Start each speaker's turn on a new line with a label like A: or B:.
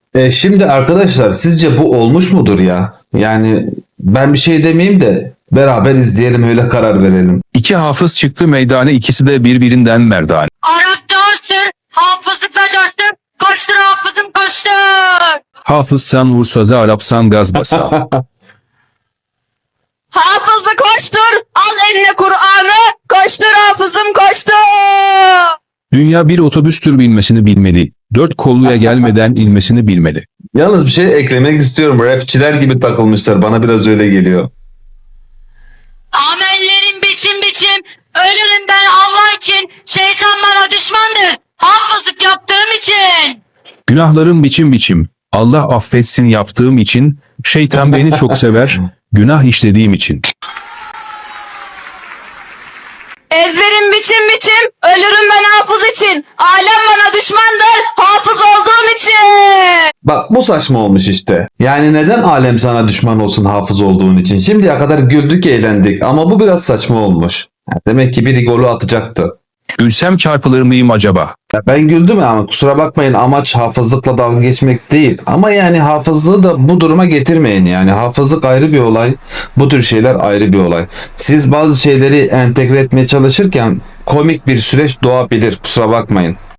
A: Şimdi arkadaşlar sizce bu olmuş mudur ya? Yani ben bir şey demeyeyim de beraber izleyelim öyle karar verelim.
B: İki hafız çıktı meydana, ikisi de birbirinden merdane.
C: Arapça olsun, hafızlıkla coştur, koştur hafızım koştur.
B: Hafız sen vur söze, Arapsan gaz basa.
C: Hafızı koştur, al eline Kur'an'ı, koştur hafızım koştur.
B: Dünya bir otobüstür, bilmesini bilmeli. Dört kolluya gelmeden inmesini bilmeli.
A: Yalnız bir şey eklemek istiyorum. Rapçiler gibi takılmışlar. Bana biraz öyle geliyor.
C: Amellerim biçim biçim, ölürüm ben Allah için, şeytan bana düşmandır, hafızlık yaptığım için.
B: Günahlarım biçim biçim. Allah affetsin yaptığım için. Şeytan beni çok sever. Günah işlediğim için.
C: Ezberim biçim biçim, ölürüm ben hafız için, alem bana düşmandır, hafız olduğum için.
A: Bak bu saçma olmuş işte. Yani neden alem sana düşman olsun hafız olduğun için? Şimdiye kadar güldük eğlendik ama bu biraz saçma olmuş. Demek ki biri golü atacaktı.
B: Gülsem çarpılır mıyım acaba?
A: Ya ben güldüm ama kusura bakmayın, amaç hafızlıkla dalga geçmek değil. Ama yani hafızlığı da bu duruma getirmeyin yani. Hafızlık ayrı bir olay. Bu tür şeyler ayrı bir olay. Siz bazı şeyleri entegre etmeye çalışırken komik bir süreç doğabilir. Kusura bakmayın.